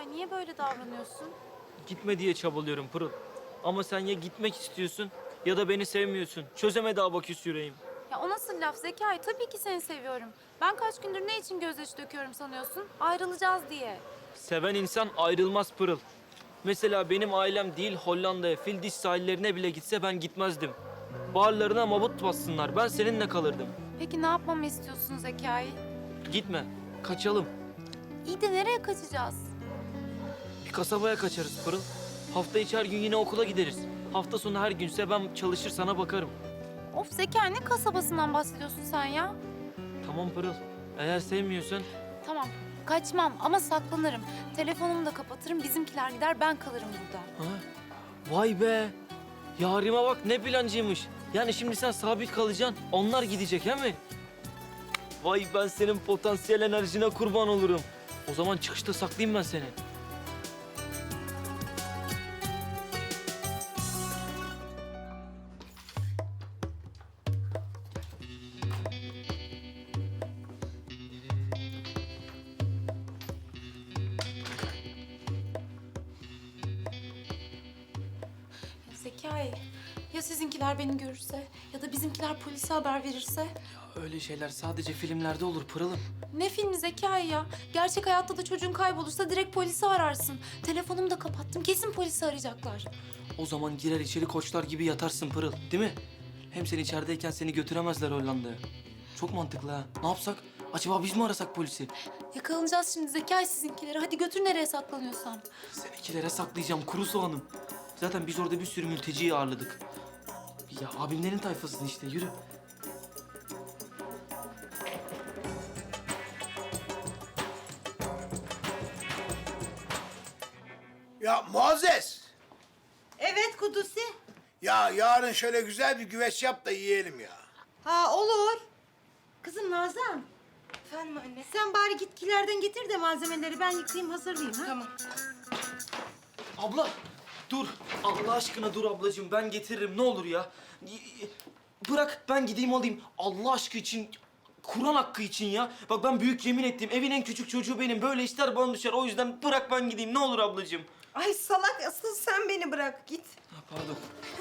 Zekai niye böyle davranıyorsun? Gitme diye çabalıyorum Pırıl. Ama sen ya gitmek istiyorsun ya da beni sevmiyorsun. Çözemedi abaküs yüreğim. Ya o nasıl laf Zekai? Tabii ki seni seviyorum. Ben kaç gündür ne için gözyaşı döküyorum sanıyorsun? Ayrılacağız diye. Seven insan ayrılmaz Pırıl. Mesela benim ailem değil Hollanda'ya, Fildiş sahillerine bile gitse ben gitmezdim. Bağırlarına mabut bassınlar, ben seninle kalırdım. Peki ne yapmamı istiyorsun Zekai? Gitme, kaçalım. İyi de nereye kaçacağız? Bir kasabaya kaçarız Pırıl. Hafta içi her gün yine okula gideriz. Hafta sonu her günse ben çalışır sana bakarım. Of Zekai ne kasabasından bahsediyorsun sen ya? Tamam Pırıl, eğer sevmiyorsan Tamam kaçmam ama saklanırım. Telefonumu da kapatırım bizimkiler gider ben kalırım burada. Ha? Vay be! Yarime bak ne plancıymış. Yani şimdi sen sabit kalacaksın, onlar gidecek he mi? Vay ben senin potansiyel enerjine kurban olurum. O zaman çıkışta saklayayım ben seni. Ya Zekai ya sizinkiler beni görürse ya da bizimkiler polise haber verirse? Öyle şeyler sadece filmlerde olur Pırıl'ım. Ne filmi Zekai ya? Gerçek hayatta da çocuğun kaybolursa direkt polisi ararsın. Telefonumu da kapattım. Kesin polisi arayacaklar. O zaman girer içeri koçlar gibi yatarsın Pırıl, değil mi? Hem sen içerideyken seni götüremezler Hollanda'ya. Çok mantıklı ha. Ne yapsak? Acaba biz mi arasak polisi? Yakalanacağız şimdi Zekai sizinkileri. Hadi götür nereye saklanıyorsan. Seninkilere saklayacağım kuru soğanım. Zaten biz orada bir sürü mülteciyi ağırladık. Ya abimlerin tayfasını işte yürü. Ya Muazzez! Evet Kudusi. Ya yarın şöyle güzel bir güveç yap da yiyelim ya. Ha olur. Kızım Nazan. Efendim anne. Sen bari gitkilerden getir de malzemeleri ben yıkayayım hazırlayayım ha. Tamam. Abla dur. Allah aşkına dur ablacığım ben getiririm ne olur ya. Bırak ben gideyim alayım. Allah aşkı için, Kur'an hakkı için ya. Bak ben büyük yemin ettim. Evin en küçük çocuğu benim. Böyle ister bana düşer. O yüzden bırak ben gideyim ne olur ablacığım. Ay salak asıl sen beni bırak git. Ha, pardon.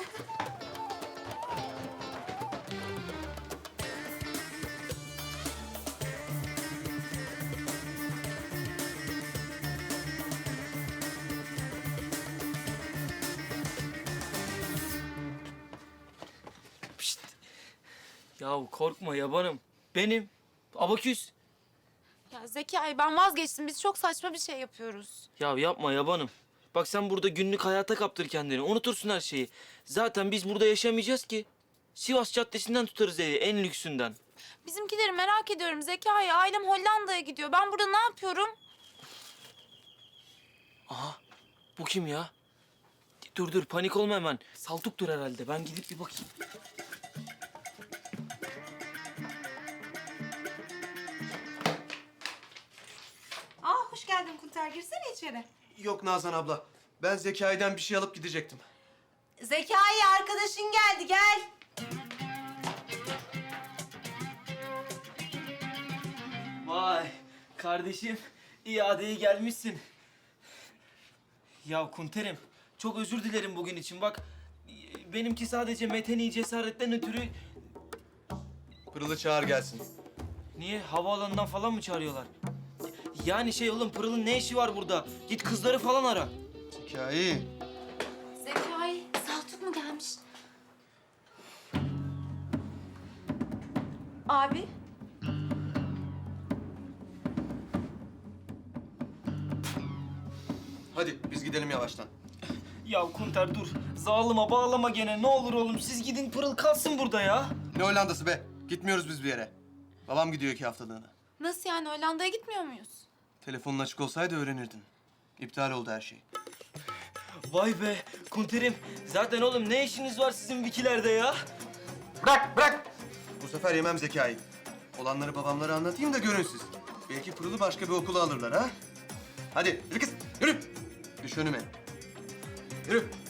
Pişt. Yahu korkma yabanım. Benim. Abaküs. Ya Zekai ben vazgeçtim. Biz çok saçma bir şey yapıyoruz. Ya yapma yabanım. Bak sen burada günlük hayata kaptır kendini. Unutursun her şeyi. Zaten biz burada yaşamayacağız ki. Sivas Caddesi'nden tutarız evi, en lüksünden. Bizimkileri merak ediyorum Zekai. Ailem Hollanda'ya gidiyor. Ben burada ne yapıyorum? Aha, bu kim ya? Dur panik olma hemen. Saltuktur herhalde. Ben gidip bir bakayım. Aa hoş geldin Kunter girsene içeri. Yok Nazan abla. Ben Zekai'den bir şey alıp gidecektim. Zekai arkadaşın geldi gel. Vay kardeşim, iadeye gelmişsin. Ya Kunter'im, çok özür dilerim bugün için. Bak, benimki sadece meteni cesaretten ötürü... Pırıl'ı çağır gelsin. Niye? Havaalanından falan mı çağırıyorlar? Yani şey oğlum, Pırıl'ın ne işi var burada? Git kızları falan ara. Zekai. Zekai, Saltuk mu gelmiş? Abi. Hadi biz gidelim yavaştan. Ya Kunter dur, zalıma bağlama gene. Ne olur oğlum, siz gidin Pırıl kalsın burada ya. Ne Hollanda'sı be? Gitmiyoruz biz bir yere. Babam gidiyor 2 haftalığına. Nasıl yani Hollanda'ya gitmiyor muyuz? Telefonun açık olsaydı öğrenirdin. İptal oldu her şey. Vay be Kunter'im, zaten oğlum ne işiniz var sizin Vikilerde ya? Bırak! Bu sefer yemem Zekai. Olanları babamlara anlatayım da görün siz. Belki Pırıl'ı başka bir okula alırlar ha? Hadi yürü kız, yürü! Düş önüme. Yürü.